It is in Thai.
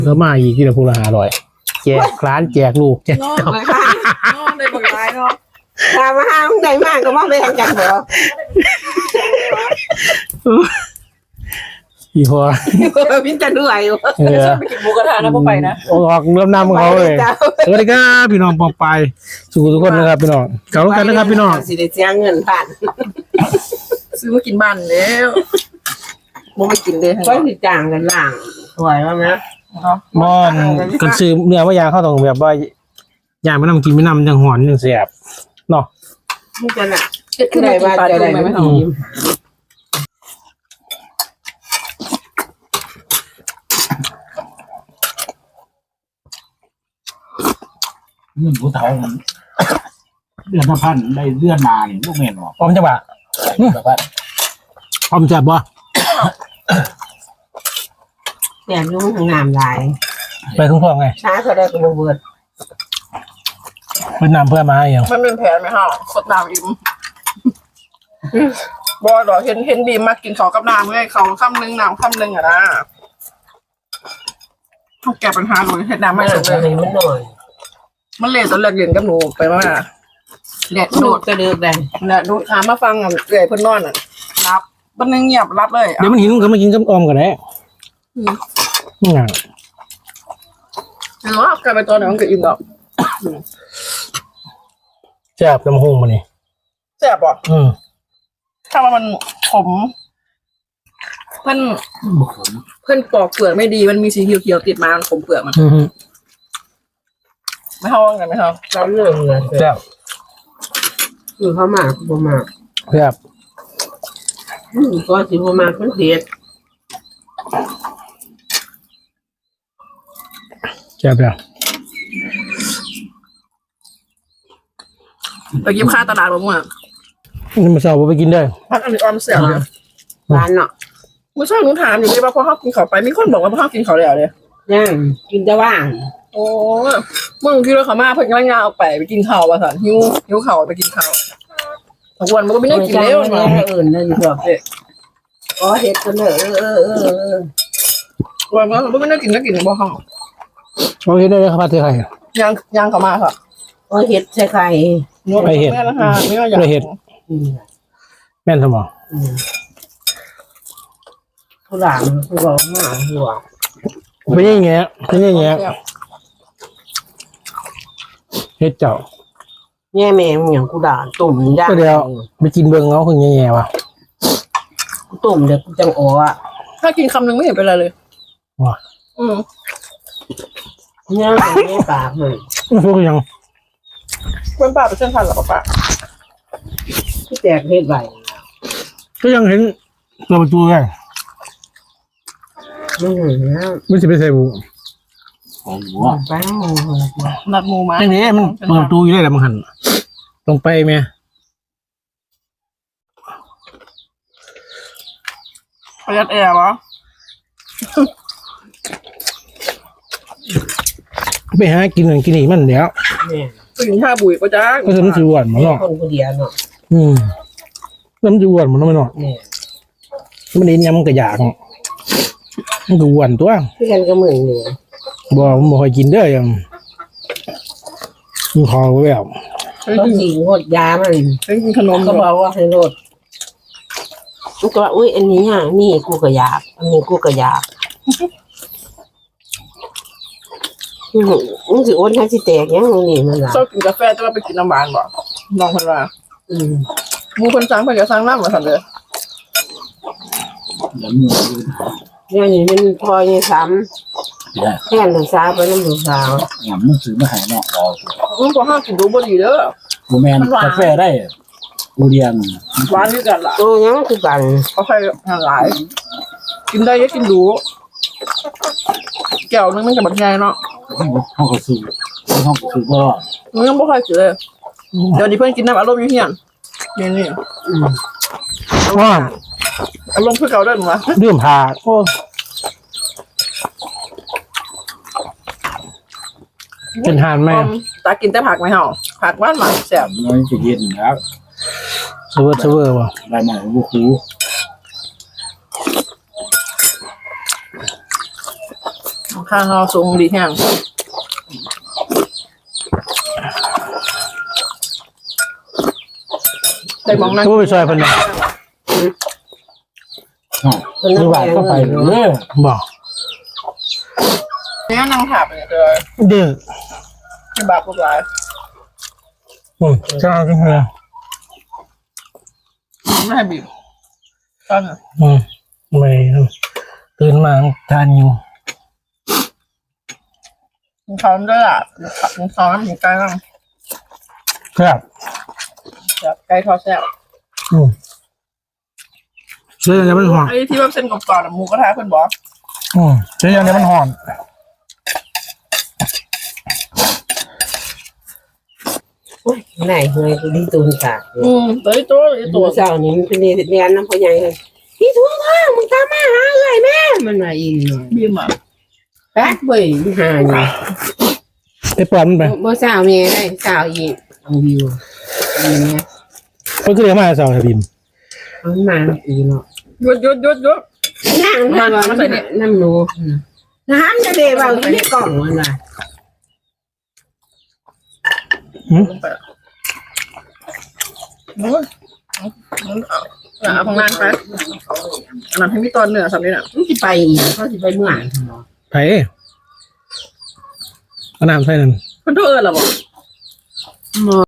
ก็มาอีกที่ละพูละ500แจกร้านแจกลูกแจกนอนเลยค่ะนอนเลยบางรายเนาะตามมาห้างใดมากก็มาไปทางกันเหรออีพอพี่จะเหนื่อยอยู่ไปกินหมูกระทะนะพวกไปนะออกเริ่มนำเขาเลยสวัสดีครับพี่น้องปองไปสู่ทุกคนนะครับพี่น้องเก่ากันนะครับพี่น้องสิได้เสียเงินผ่านซื้อมากินบ้านแล้วบ่ไปกินเลยก็สิจ้างกันล่างสวยว่าไหมมอนกันซื้อเนื้อว่ายางเข้าตรงแบบว่ายางไม่นำกินไม่นำจังหอนจังเสียบเนาะนี่จะน่ะเฮ็ดขึ้นมากินปลาดุกไหมไม่ต้องเรื่องผู้เฒ่ามันเดือนละพันได้เดือนมาเนี่ยลูกเมนบอกพร้อมจังหวะแบบว่าพร้อมจับบ่แต่ยุ่งทางน้ำลายไปคุ้มครองไงช้าเขาได้กับเบิดเป็นนำเพื่อมาอย่างมันเป็นแผนไหมฮะสดน้ำอิ่มบ่ดอกเห็นดีมากกินข้าวกับน้ำเลยเขาคำนึงน้ำคำนึงอ่ะนะเขาแก้ปัญหาหนูเห็ดน้ำไม่ไม่สุดเลเลย ยมันหน่อยมันเละตอนแรกเรียนกับหนูไปว่าแดดดูดูดดกระเดือกได้เนี่ยดูถามมาฟังอ่ะเอื่อยเพิ่นนอนอ่ะรับมันนึงเงียบรับเลยเดี๋ยวมันหิวก็มากินกับออมกันแหละนี่ไงเห็นว่ากลายเป็นตัวไหนมันก็อิ่มดอกแซ่บน้ำหงมานี่แซ่บป่ะอืมถ้าว่ามันขมเพิ่นบุกผมเพิ่นปอกเปลือกไม่ดีมันมีสีเขียวๆติดมามันขมเปลือกมันอืมไม่เท่ากันไม่เท่าเราเรื่องเลยแซ่บคือเขามากบ่มากแซ่บก็สิบ่มากมันเผ็ดแซ่บแล้วไปกินข้าวตลาดบ่มั่วนี่มาเช้าบ่ไปกินได้พักอันนี้ออมเสียเลยร้านเนาะเมื่อเช้าหนูถามอยู่เลยว่าพอเขากินเขาวไปมีคนบอกว่าพอเขากินเขาวแล้วเลยย่างกินแต่ว่างโอ้เมื่อกี้เราเขามาเพิ่นกำลังงานเอาไปกินข้าวว่าสันหิวข้าวไปกินข้าวทุกวันมันก็ไม่ได้กินแล้วมัมันให้อื่นเลยดีกว่าอ๋อเฮ็ดกันเด้อวันมันก็ไม่ได้กินก็กินบ่ห้องเราเห็นได้เลยครับพัดเทไข่ย่างเขามาค่ะอ๋อเฮ็ดใส่ไข่ไปเห็ดแม่ละค่ะไม่ว่าอยากไปเห็ด แม่นสมองผู้หลานผู้บอกมาหัวเป็นอย่างเงี้ยเป็นอย่างเงี้ยเฮ็ดเจ้าแง่แม่งอย่างกูด่าตุ่มย่างก็เดี๋ยวไปกินเบิ่งเอาคือแง่ๆว่ะตุ่มเดี๋ยวกูจังอ๋ออ่ะถ้ากินคำนึงไม่เห็นเป็นไรเลยว่ะย่างไม่ปากเลยพวกยังเป็นป้าเป็นเส้นทันหรอป้าที่แตกเฮ็ดใบก็ยังเห็นตัวประตูไงไม่เห็นแล้วไม่ใช่ไปใส่บุของหัวไปแล้วนัดหมูมาอย่างนี้มันเปิดประตูอยู่ได้แหละมันหันลงไปไหมประหยัดแอร์วะไปหากินนั่นกินนี่มันเดี๋ยวเนี่ยกินชาบุ๋ยก็จ้าก็จะมันจะอ้วนมันเนาะคนผู้เดียวเนาะแล้วมันจะอ้วนมันไม่เนาะเนี่ยมันเห็นยังมันก็อยากมันก็อ้วนตัวที่กันก็เหมือนอยู่บ่ค่อยกินเด้อยังมันคอแบบต้องยิงหดยามันกินขนมก็บอกว่าให้ลดมันก็ว่าอุ้ยอันนี้อ่ะนี่กูก็อยากอันนี้กูก็อยากมึงสิอ้วนให้สิแตกยังนี่มันล่ะชอบกินกาแฟจะมาไปกินน้ำหวานบ่ลองคนว่าอืมหมูคนสั่งเพิ่นก็สั่งน้ำมาสั่นเลยแล้วมืออย่างนี้มันพอยังซ้เนี่ยำแค่หนึ่งสาวไปน้ำหนึ่งสาวงามมันซื้อมาให้เนาะเรามึงก็ห้ามกินดูบ่ดีเด้อกูแมนกาแฟได้กูเรียนหวานคือกันล่ะโอ้ยังคือกันเขาใครหลาย กินได้ก็กินดูแก้วนึงมันจะบักใหญ่เนาะห้องก็ซื้อห้องก็ซื้อก็มึงยังบ่ค่อยกินเลยเดี๋ยวนี้เพิ่นกินน้ำอารมณ์อยู่เฮียนนี่ว่าอารมณ์คือเก่าเด้อหนูวะเรื่องผ่าโอ้เป็นหานไหมตากินแต่ผักไหมเฮาผักหวานแซ่บมันจะเย็นแล้วเซเวอร์ว่ะได้มาบุคูขข้างเราสูงดีแห้งได้มองนั่งก็ไปซอยเพิ่นน่ะคนคือน้ำว่าแดงก็ไปเนาะเลยบอกเนี่ยนั่งถาบเนี่ยเจอเด้อที่บาปพวกหลายจ้าจังเลยไม่ให้บีบตอนน่ะไม่ตื่นมาทานอยู่มึงเขาด้วยอ่ะมึงเขาน้ำหมูไก่บ้างครับแบบไก่ทอดแซ่บเสื้อเนี่ยมันหอนไอ้ที่ว่าเส้นกรอบๆอะหมูกระทะเพิ่นบอกเสื้อเนี่ยมันหอนโอ้ยไหนเฮยกูดีตูนตากตัวนี้ตัวนี้ตัตัว วเจ้านี่มันเป็นเรียนน้ำพ่อใหญ่เลยพี่ทั่วว่ามึงตามมาหาเลยแม่มันมาอีกหน่อยบีมอ่ะแป๊ดเว้ยหาอยู่ไปปล่อยมันไปบ่สาวเมียได้สาวอีกเอาวิวอย่างเงี้ยมันก็เรียกมาสาวบิมมันมาอีกเนาะหยุดนั่งทำว่าน้ำหนูน้ำจะเดบเอาที่ในกล่องมันว่ะลงไปโอ้ยเอาของนานไปอันนั้นให้มีตอนเหนือสำนี้น่ะมันสิไปอีกเขาสิไปเมื่อไหร่เนาะไผ่เอาน้ำใส่นั่นเพิ่นโทรเอิ้นล่ะบ่บ่